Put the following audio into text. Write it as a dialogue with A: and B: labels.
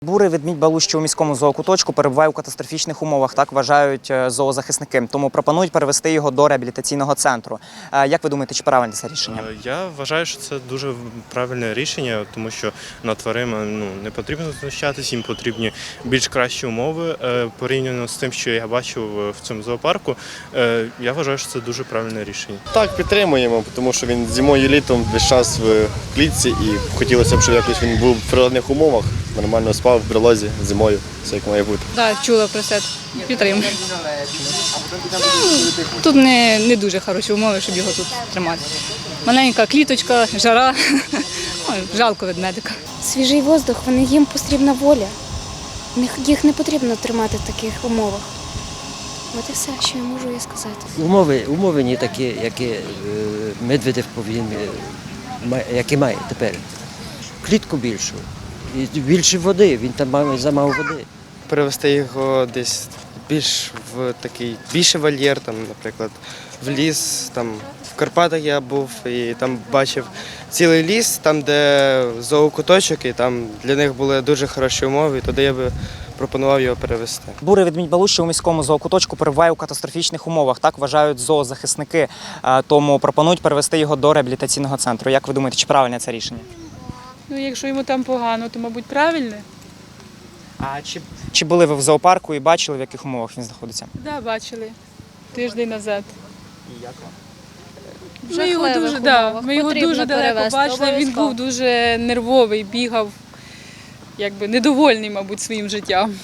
A: Бурий ведмідь Балущий у міському зоокуточку перебуває у катастрофічних умовах, так вважають зоозахисники. Тому пропонують перевести його до реабілітаційного центру. Як ви думаєте, чи правильне це рішення?
B: Я вважаю, що це дуже правильне рішення, тому що над тваринами не потрібно знущатись, їм потрібні більш кращі умови порівняно з тим, що я бачив в цьому зоопарку. Я вважаю, що це дуже правильне рішення.
C: Так, підтримуємо, тому що він зимою і літом весь час в клітці і хотілося б, щоб якось він був в природних умовах, нормально спав в берлозі зимою, все як має бути.
D: Так, чула про це, підтримую. Тут не дуже хороші умови, щоб його тут тримати. Маленька кліточка, жара, жалко ведмедика.
E: Свіжий воздух, їм потрібна воля. Їх не потрібно тримати в таких умовах. От і все, що я можу сказати.
F: Умови не такі, які Медведєв повинен, які має тепер. Клітку більшу. І більше води, він там має замало води.
G: Перевести його десь більше вольєр, там, наприклад, в ліс. Там, в Карпатах я був і там бачив цілий ліс, там, де зоокуточок, і там для них були дуже хороші умови, і туди я би пропонував його перевести.
A: Бурий ведмідь Балущий у міському зоокуточку перебуває у катастрофічних умовах, так вважають зоозахисники. Тому пропонують перевести його до реабілітаційного центру. Як ви думаєте, чи правильне це рішення?
H: Якщо йому там погано, то, мабуть, правильне.
A: А чи були ви в зоопарку і бачили, в яких умовах він знаходиться?
H: Так, да, бачили. Тиждень назад.
A: І як вам?
H: Ми його дуже далеко бачили, він був дуже нервовий, бігав, недовольний, мабуть, своїм життям.